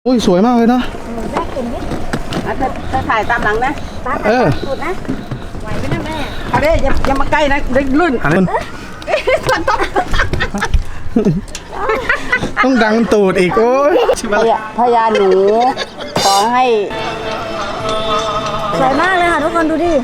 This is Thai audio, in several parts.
อุ้ยสวยมากเลยนะแม่เก่งนิดจะถ่ายตามหลังนะตามสุดนะไหวไหมนะแม่อะไรอย่ามาใกล้นะเด็กลื่นต้องดังตูดอีกโอ้ยพญาหนูขอให้สวยมากเลยค่ะทุกคนดูดิ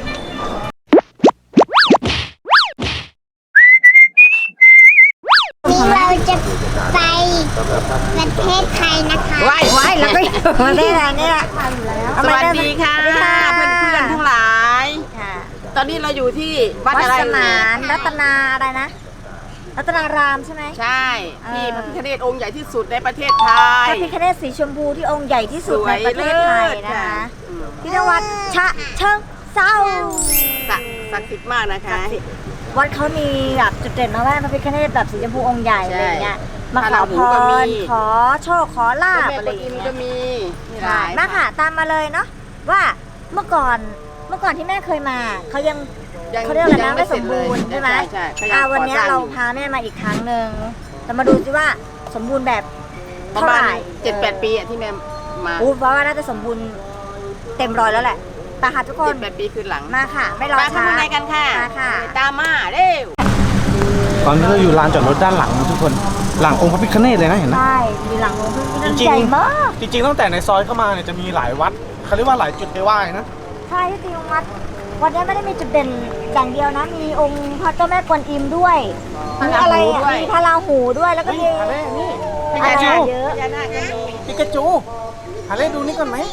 เราจะไปประเทศไทยนะคะว้ายแล้วก็ประเทศไทยนี่แหละสวัสดีค่ะเพื่อนๆทั้งหลายตอนนี้เราอยู่ที่วัดอะไรสมานรัตนาอะไรนะรัตนารามใช่ไหมใช่ที่พระพิฆเนศองค์ใหญ่ที่สุดในประเทศไทยพระพิฆเนศสีชมพูที่องค์ใหญ่ที่สุดในประเทศไทยนะคะที่จังหวัดฉะเชิงเทราศักดิ์สิทธิ์มากนะคะวัดเขามีแบบจุดเด่นนะว่าพระพิฆเนศแบบสีชมพูองค์ใหญ่อะไรเงี้ยมาขอพรขอโชคขอลาภอะไรอย่างเงี้ยก็มีมาค่ะตามมาเลยเนาะว่าเมื่อก่อนที่แม่เคยมาเขายังเขาเรียกอะไรนะไม่สมบูรณ์ใช่ไหมวันนี้เราพาแม่มาอีกครั้งหนึ่งจะมาดูซิว่าสมบูรณ์แบบเท่าไหร่7-8 ปีที่แม่มาเพราะว่าน่าจะสมบูรณ์เต็มร้อยแล้วแหละตาค่ะทุกคน7-8 ปีคืนหลังมาค่ะไม่รอช้าไปกันค่ะตามมาเร็วตอนนี้เราอยู่ลานจอดรถด้านหลังทุกคนหลังองค์พระพิฆเนศเลยนะเห็นไหมใช่มีหลังองค์พระพิฆเนศใหญ่มากจริงๆตั้งแต่ในซอยเข้ามาเนี่ยจะมีหลายวัดเขาเรียกว่าหลายจุดไปไหว้นะใช่ที่จริงวัดนี้ไม่ได้มีจุดเด่นอย่างเดียวนะมีองค์พระเจ้าแม่กวนอิมด้วยมีอะไรมีพระราหูด้วยแล้วก็มีปิกาจูปิกาจูหาเล่ดูนี่ก่อนไหม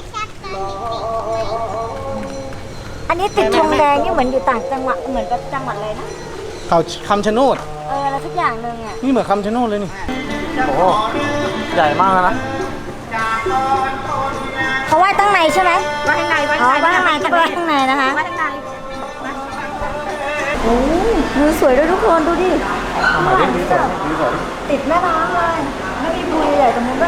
อันนี้ติดธงแดงนี่เหมือนอยู่ต่างจังหวัดเหมือนกับจังหวัดเลยนะเขาคำชะโนดอะไรทุกอย่างนึงอ่ะนี่เหมือนคำชะโนดเลยนี่โอ้ใหญ่มากนะเขาไหว้ตั้งในใช่ไหมไหว้ข้างในไหว้ข้างในก็ไหว้ข้างในนะคะไหว้ข้างในโอ้มือสวยด้วยทุกคนดูดิติดแม่น้ำเลยไม่มีบุยใหญ่ตรงนู้นด้วย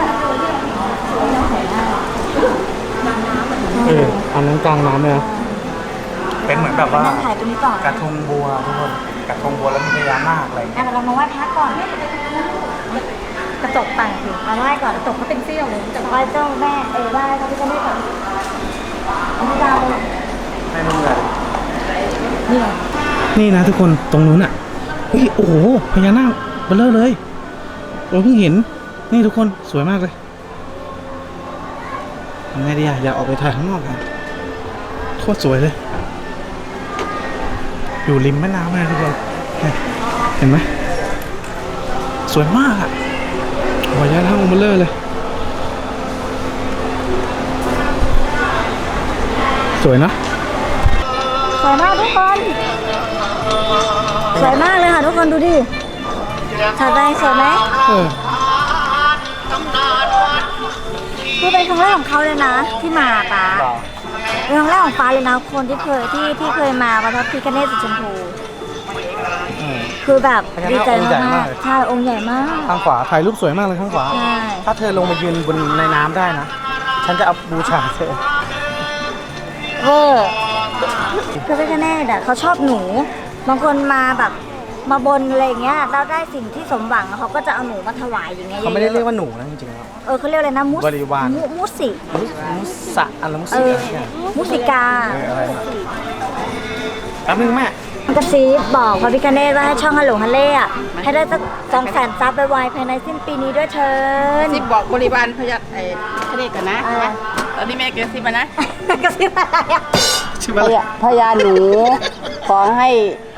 อันนั้นกลางน้ำเลยนะเป็นเหมือนแบบว่าถ่ายตรงนี้ก่อนกระทงบัวทุกคนกระทงบัวแล้วมีพญานาคอะไรเรามาไหว้พระก่อนกระจกต่างถึงมาไหว้ก่อนกระจกเขาเป็นเสี้ยวเลยจะไหว้เจ้าแม่ไหว้เขาจะไม่ก่อนเอาไม่ได้เลยไม่รู้เลยนี่ไงนี่นะทุกคนตรงนู้นอ่ะเฮ้ยโอ้โหพญานาคเบลอเลยเราเพิ่งเห็นนี่ทุกคนสวยมากเลยยังไงดีอะอยากออกไปถ่ายข้างนอกกันโคตรสวยเลยอยู่ริมแม่น้ำเลยทุกคนเห็นไหมสวยมากอ่ะวายาทั้งเบลอเลยสวยนะสวยมากทุกคนสวยมากเลยค่ะทุกคนดูดิถ่ายไปสวยไหมคือเป็นครั้งแรกของเขาเลยนะที่มาป้าเป็นครั้งแรกของป้าเลยนะคนที่เคยมาวัดพระพิฆเนศสีชมพูคือแบบดีใจมากใช่องค์ใหญ่มากข้างขวาถ่ายรูปสวยมากเลยข้างขวาถ้าเธอลงมายืนบนในน้ำได้นะฉันจะเอาบูชาเธอพระพิฆเนศเขาชอบหนูบางคนมาแบบมาบนอะไรเงี้ยเราได้สิ่งที่สมหวังเขาก็จะเอาหนูมาถวายอย่างเงี้ยเขาไม่ได้เรียกว่าหนูนะจริงๆเขาเรียกอะไรนะบริวารมุสิอะไรมุสิกาแป๊บนึงแม่กระซิบบอกพระพิฆเนศว่าให้ช่องฮัลโหลฮัลเล่ให้ได้สัก200,000 ซับไปไวภายในสิ้นปีนี้ด้วยเชิญซิบบอกบริวารพญาพิฆเนศกันนะตอนนี้แม่กระซิบมานะกระซิบอะไรอ่ะพญาหนูขอให้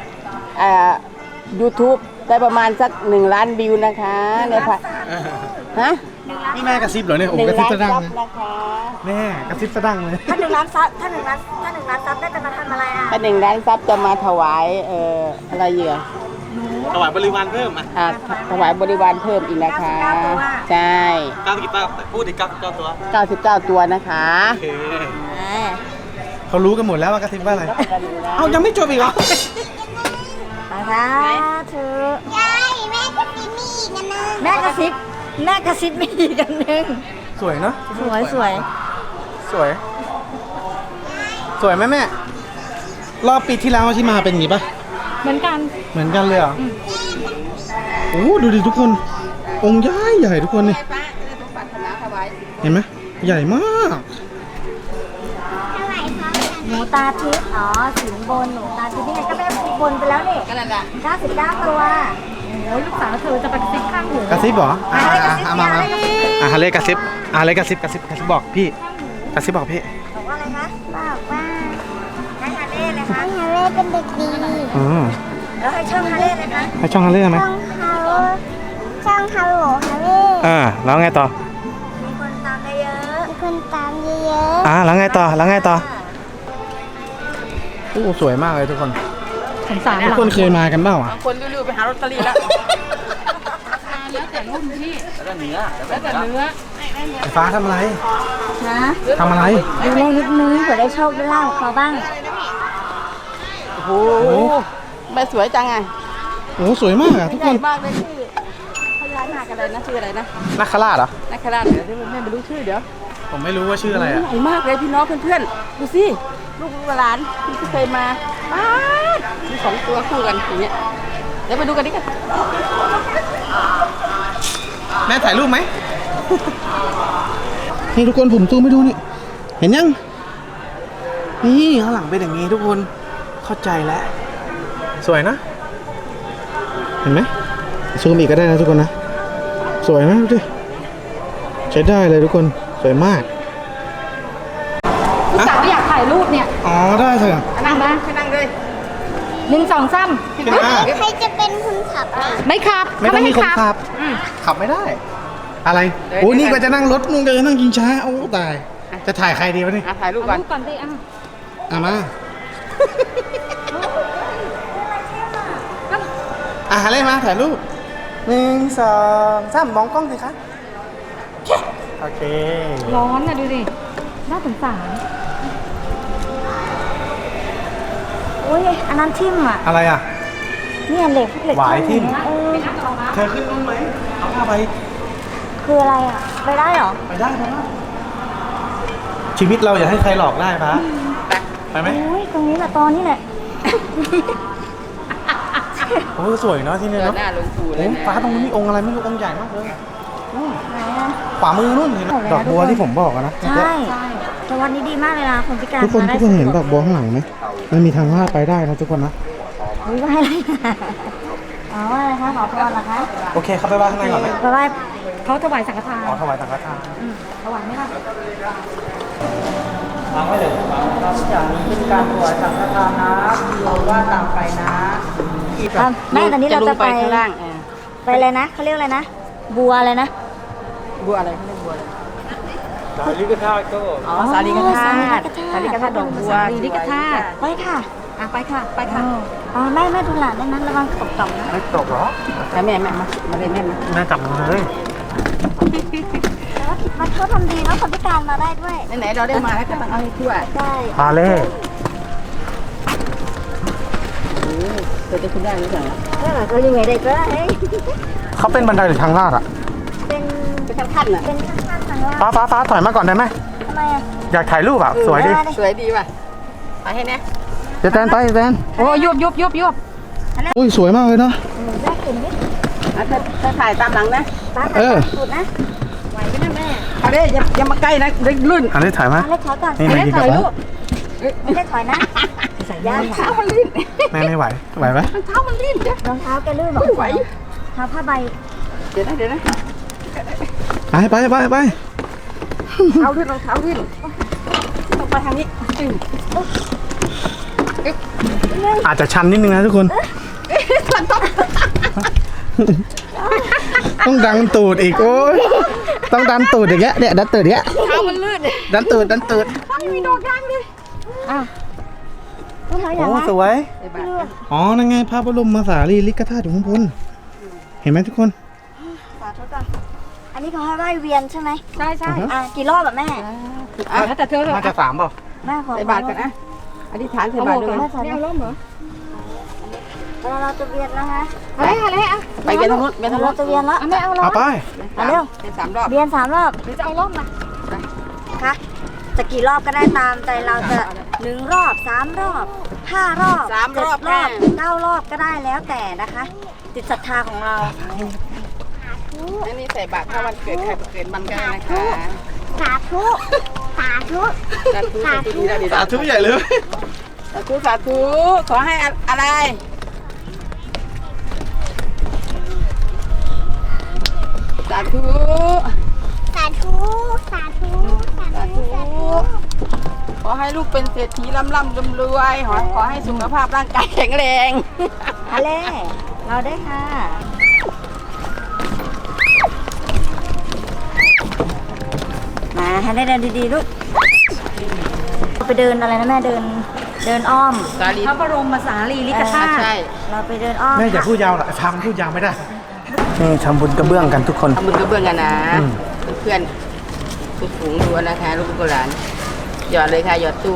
YouTube ได้ประมาณสัก1 ล้านวิวนะคะเนี่ยค่ะนี่แม่กระซิบเหรอเนี่ยโอ้กระซิบสะดังแม่กระซิบสะดังเลยถ้า1 ล้านซับถ้า1 ล้านซับได้จะมาทำอะไรอ่ะถ้า1 ล้านซับจะมาถวายอะไรเยอะถวายบริวารเพิ่มถวายบริวารเพิ่มอีกนะคะใช่ 99พูดอีก99 ตัว 99 ตัวนะคะเขารู้กันหมดแล้วว่ากระซิบว่าอะไรเอายังไม่จบอีกเหรอนะคะเธอยายแม่กระซิบมีอีกกันนึงแม่กระซิบมีอีกกันนึงสวยเนาะสวยไหมแม่รอบปีที่แล้วที่มาเป็นอย่างนี้ปะเหมือนกันเลยเหรอโอ้ดูดิทุกคนองค์ใหญ่ทุกคนนี่เห็นไหมใหญ่มากเท่าไหร่คะหนูตาทิพย์อ๋อสินบนหนูตาทิพย์นี่ไงก็แม่บนไปแล้วนี่ก็นั่นแหละ 99 ตัวโอ้ยลูกสาวเธอจะไปกระซิบข้างหูกระซิบเหรออะไรกระซิบมาอะไรฮาเล่กระซิบฮาเล่กระซิบบอกพี่กระซิบบอกพี่บอกว่าอะไรคะบอกว่าให้ฮาเล่เลยคะให้ฮาเล่เป็นเด็กดีอืมแล้วให้ช่องฮาเล่เลยคะให้ช่องฮาเล่ไหมช่องฮัลโหลฮาเล่แล้วไงต่อมีคนตามได้เยอะมีคนตามเยอะแล้วไงต่อโอ้สวยมากเลยทุกคนสงสารทุกคนเคยมากันเปล่าอ่ะบางคนรีบๆไปหาลอตเตอรี่แล้วแล้วแต่รุ่นพี่แล้วแต่เนื้อไฟฟ้าทำอะไรนะทำอะไรดูเลขนิดนึงเผื่อได้โชคได้ลาภเขาบ้างโอ้โหไม่สวยจังไงโอ้สวยมากอ่ะทุกใหคญ่นมากเลยชื่อพญานาคอะไรนะชื่ออะไรนะนักขราชเหรอนักขราชเดี๋ยวแม่ไม่รู้ชื่อเดี๋ยวผมไม่รู้ว่าชื่ออะไรใหอ่ะญ่มากเลยพี่น้องเพื่อนๆดูสิลูกหลานที่เคยมาป๊าดมี2 ตัวคู่กันอย่างเงี้ยเดี๋ยวไปดูกันดิกันแม่ถ่ายรูปไหม นี่ทุกคนผมซูมไปดูนี่ เห็นยัง นี่ข้างหลังเป็นอย่างนี้ทุกคนเข้าใจแล้ว สวยนะ เห็นไหมซูมอีกก็ได้นะทุกคนนะ สวยนะดูดิใช้ได้เลยทุกคนสวยมากลูกสาวอยากถ่ายรูปเนี่ยอ๋อได้เถอะนั่งมาไปนั่งเลย 1 2 3 ขึ้นมาๆใครจะเป็นคนขับอ่ะไม่ขับไม่ต้องมีคนขับ ขับไม่ได้ อะไรโอ้ยนี่ก็จะนั่งรถนู่นก็จะนั่งกินช้าโอ้ตาย จะถ่ายใครดีวะนี่ถ่ายรูปก่อนก่อนสิมาอะไรมาถ่ายรูป1 2 3มองกล้องสิคะโอเคร้อนนะดูดิน่าสงสารโอ้ยอันนั้นทิ่มอ่ะอะไรอ่ะเนี่ยเหล็กเหล็กหวายทิ่มเออเธอขึ้นนู่นไหมเอาผ้าไปคืออะไรอ่ะไปได้เหรอไปได้ปะชีวิตเราอย่าให้ใครหลอกได้ปะไปไหมโอ้ยตรงนี้แหละตอนนี้แหละโอ้สวยเนาะที่นี่เดินเนาะหน้าลงสู่เลโอ้ยนะฟ้าตรงนี้มีองค์อะไรไม่รู้องค์ใหญ่มากเลยนู่นไหนอ่ะขวามือนู่นเห็นไหมหมดแล้วดอกบัวที่ผมบอกอะนะใช่แต่วันนี้ดีมากเลยนะคนพิการทุกคนมาได้ทุกคนเห็นดอกบัวข้างหลังไหมมันมีทางลาดไปได้นะทุกคนนะอุ้ยว่าอะไรนะอ๋อว่าอะไรคะขอพรเหรอคะโอเคเข้าไปว่าข้างในก่อนไหมเพราะว่าเขาถวายสังฆทานขอถวายสังฆทานถวายไหมคะอย่างนี้เป็นการถวายสังฆทานนะเราว่าตามไปนะแม่ตอนนี้เราจะไปข้างล่างไปอะไรนะเขาเรียกอะไรนะบัวอะไรนะบัวอะไรเขาเรียกบัวอะไรสาลิกธาตุก็อ๋อสาลีกธาตุสาลีกธาตุดอกบัวสาลีกธาตุไปค่ะไปค่ะไปค่ะอ๋อแม่ดูหลานได้นั้นระวังตกต่ำนะไม่ตกหรอแล้วแม่มาเลยแม่มาแม่จับมือเลยแต่ว่ามันเขาทำดีแล้วคนพิการมาได้ด้วยไหนๆเราได้มาแล้วก็ต้องเอาให้ทั่วใช่พาเล่เธอจะขึ้นได้หรือเปล่าก็ยังไงได้ก็ได้เขาเป็นบันไดหรือทางลาดอ่ะเป็นเป็นขั้นๆน่ะเป็นข้างๆทางล่างฟ้าถอยมาก่อนได้ไหมทำไมอ่ะอยากถ่ายรูปอ่ะสวยดิสวยดีว่ะไปให้แน่จะแตนไปแตนโอ้ยุบอุ้ยสวยมากเลยเนาะแม่กลุ่มนี้ถ้าถ่ายตามหลังนะตาเออสุดนะไหวไหมนะแม่เอาดิอย่ามาใกล้นะลื่นอันนี้ถ่ายไหมเล็กถอยก่อนนี่มายิงกับฟ้าไม่ได้ถอยนะใส่ยางเท้ามันลื่นแม่ไม่ไหวไหวไหมเท้ามันลื่นเดี๋ยวรองเท้าแกลื่นหรอไม่ไหวเท้าผ้าใบเดี๋ยวนะไปเอาลื่นรองเท้าลื่นต้องไปทางนี้อาจจะชันนิดนึงนะทุกคน ต้องดันตูดอีกโอ้ยต้องดันตูดอย่างเงี้ยเนี่ยดันตูดอย่างเงี้ยเท้ามันลื่นดันตูดไม่มีดอกยางเลยรองเท้าอย่าโอ้งวะสวยไอ้บ้าอ๋อนั่นไงพระบรมสารีริกธาตุอยู่ข้างบนเห็นไหมทุกคนสาธุก่อนอันนี้เขาให้ไหว้เวียนใช่ไหมใช่อือฮะกี่รอบแบบแม่แต่เธอน่าจะ3เปล่าแม่ขอใส่บาตรกันนะอธิษฐานใส่บาตรด้วยแม่ใส่ร่มเหรอเราจะเวียนแล้วฮะไปเวียนทางนู้นเวียนทางนู้เรานจะเวียนแล้วไม่เอาเอาไปเร็วเป็น3 รอบเวียน3 รอบหรือจะเอาร่มมาคะจะกี่รอบก็ได้ตามใจเราจะ1 รอบ3 รอบ5 รอบ 3 รอบ 7 รอบ9 รอบก็ได้แล้วแต่นะคะจิตศรัทธาของเราอันนี้ใส่บาตรถ้าวันเกิดใครเกิดมันก็ได้นะคะสาธุสาธุสาธุสาธุดีแล้วดีสาธุใหญ่เลยสาธุสาธุขอให้อะไรสาธุสาธุสาธุสาธุสาธุขอให้ลูกเป็นเศรษฐีร่ำรวยขอให้สุขภาพร่างกายแข็งแรงอะไรเราได้ค่ะมาให้ได้เดินดีๆลูกไปเดินอะไรนะแม่เดินอ้อมสาลีพระบรมสารีริกธาตุใช่เราไปเดินอ้อมแม่อย่าพูดยาวหรอกพามันพูดยาวไม่ได้นี่ทำบุญกระเบื้องกันทุกคนทำบุญกระเบื้องกันนะเพื่อนทุกฝูงดูนะคะลูกหลานหยอดเลยค่ะหยอดตู้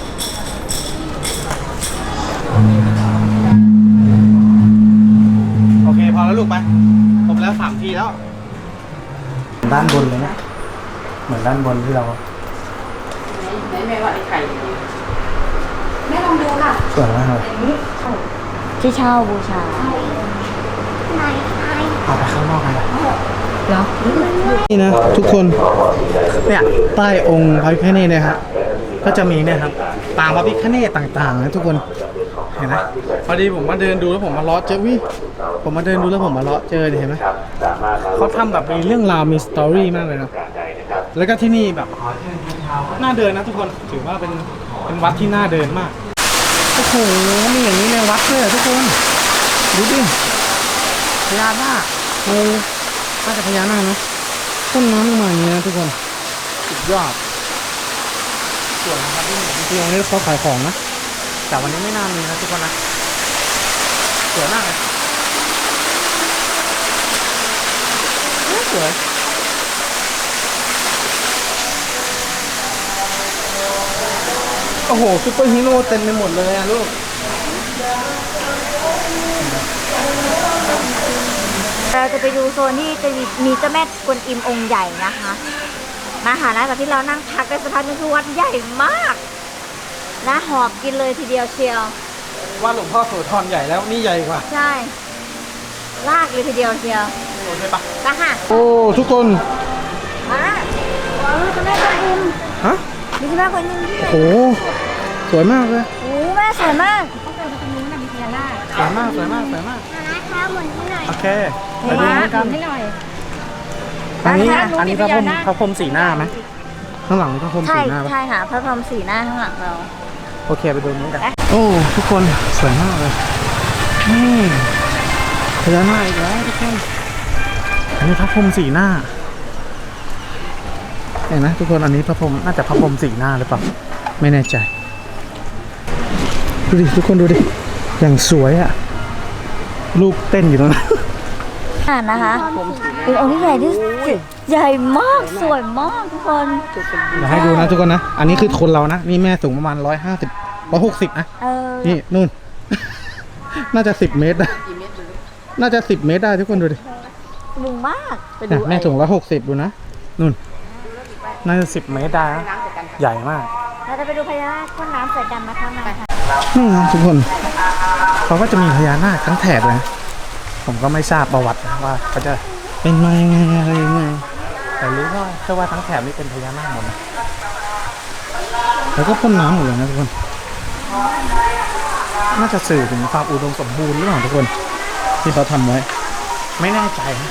โอเคพอแล้วลูกไปผมแล้ว3 ทีแล้วด้านบนเลยนะเหมือนด้านบนที่เราไหนแม่ว่าไอ้ไข่แม่ลองดูค่ะสวยมากเลยที่เช่าบูชาไหนไหนเอาไปข้างนอกกันเลยเหรอนี่นะทุกคนเนี่ยใต้องค์พระพิฆเนศเนี่ยครับก็จะมีเนี่ยครับปางพระพิฆเนศต่างๆนะทุกคนเห็นไหมพอดีผมมาเดินดูแล้วผมมาเลาะเจอผมมาเดินดูแล้วผมมาเลาะเจอเห็นไหมเขาทำแบบมีเรื่องราวมีสตอรี่มากเลยนะแล้วก็ที่นี่แบบน่าเดินนะทุกคนถือว่าเป็นวัดที่น่าเดินมากโอ้โหมีอย่างนี้ในวัดเลยทุกคนดูดิพญานาคโอ้น่าจะพญานาคนะต้นน้ำลงมาอย่างนี้นะทุกคนสุดยอดส่วนนะครับที่นี่จริงๆวันนี้เขาขายของนะแต่วันนี้ไม่น่ามีนะทุกคนนะสวยมากเลยสวยโอ้โหซุปเปอร์ฮีโร่เต็มไปหมดเลยอะลูกเราจะไปดูโซนที่จะมีเจ้าแม่กวนอิมองค์ใหญ่นะคะมาหานะแบบที่เรานั่งพักได้สักพักนึงคือวัดใหญ่มากนะหอบกินเลยทีเดียวเชียวว่าหลวงพ่อโสธรใหญ่แล้วนี่ใหญ่กว่าใช่ลากเลยทีเดียวเชียวโอเคปะไปค่ะโอ้ทุกคนมาเจ้าแม่กวนอิมฮะมีเจ้าแม่กวนอิมที่ไหนโอ้สวยมากเลยโอ้แม่สวยมากสวยมากสวยมากสวยมากนะคะหมุนให้หน่อยโอเคไปดูเหมือนกันให้หน่อยอันนี้ร้านค้าอันนี้พระพรหมสีหน้าไหมข้างหลังมีพระพรหมใช่สีหน้าปะใช่ค่ะพระพรหมสีหน้าข้างหลังเราโอเคไปดูนี้กันโอ้ทุกคนสวยมากเลยนี่พญานาคอีกแล้วทุกคนอันนี้พระพรหมสีหน้าเห็นไหมทุกคนอันนี้พระพรหมน่าจะพระพรหมสีหน้าหรือเปล่าไม่แน่ใจดูดิทุกคนดูดิอย่างสวยอะลูกเต้นอยู่ตรงนั้นนะคะเป็นองค์ที่ใหญ่ที่สุดใหญ่มากสวยมากทุกคนเดี๋ยวให้ดูนะทุกคนนะอันนี้คือคนเรานะนี่แม่สูงประมาณ160นะเออนี่นู่น น่าจะ10 เมตรนะน่าจะ10 เมตรได้ทุกคนดูดิสูงมากเนี่ยแม่สูง160ดูนะนู่นน่าจะ10 เมตรได้นะใหญ่มากเราจะไปดูพญานาคพ่นน้ำใส่กันนะคะมาค่ะนี่นะทุกคนเขาก็จะมีพญานาคทั้งแถบเลยนะผมก็ไม่ทราบประวัตินะว่าเขาจะเป็นมายังไงอะไรยังไงแต่รู้ว่าแค่ว่าทั้งแถบนี้เป็นพญานาคหมดนะแล้วก็พ่นน้ำหมดเลยนะทุกคนน่าจะสื่อถึงความอุดมสมบูรณ์หรือเปล่าทุกคนที่เขาทำไว้ ไม่แน่ใจนะ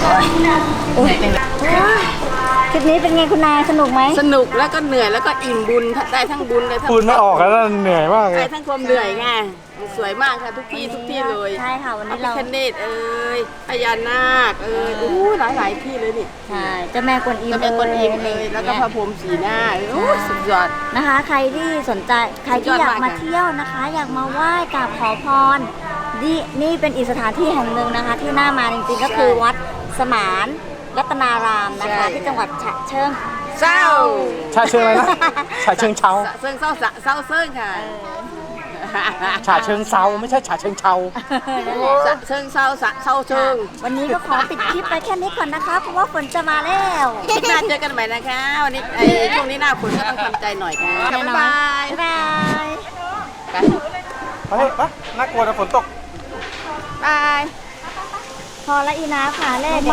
คลิปนี้เป็นไงคุณนายสนุกไหมสนุกแล้วก็เหนื่อยแล้วก็อิ่มบุญได้ทั้งบุญได้ทั้งพูดไม่ออกแล้วเหนื่อยมากเลได้ยทั้งความเหนื่อยไงสวยมากค่ะทุกที่เลยใช่ค่ะวันพระนี้พิเราฆเนศพญานาคหลายที่เลยนี่ใช่เจ้าแม่กวนอิมจะเป็นคนอิมแล้วก็พระพรหมสีหน้าสุดยอดนะคะ ใครที่สนใจใครที่อยากมาเที่ยวนะคะ อยากมาไหว้กราบขอพรนี่เป็นอีกสถานที่แห่งหนึ่งนะคะ ที่น่ามาจริงๆก็คือวัดสมานรัตนารามนะคะ ที่จังหวัดฉะเชิงเศร้าชาเชิงอะไรนะชาเชิงเชาเซิงเศร้าเซิงค่ะชาเชิงเซาไม่ใช่ชาเชิงเชานั่นแหละเซิงเศร้าเชิงวันนี้ก็ขอปิดคลิปไปแค่นี้ก่อนนะคะ เพราะว่าฝนจะมาแล้วคลิปหน้าเจอกันใหม่นะคะวันนี้ช่วงนี้หน้าฝนก็ต้องทำใจหน่อยค่ะแน่นอนบ๊ายบายบ๊ายบายไปน่ากลัวนะฝนตกบายพอละอีนาค่ะแรก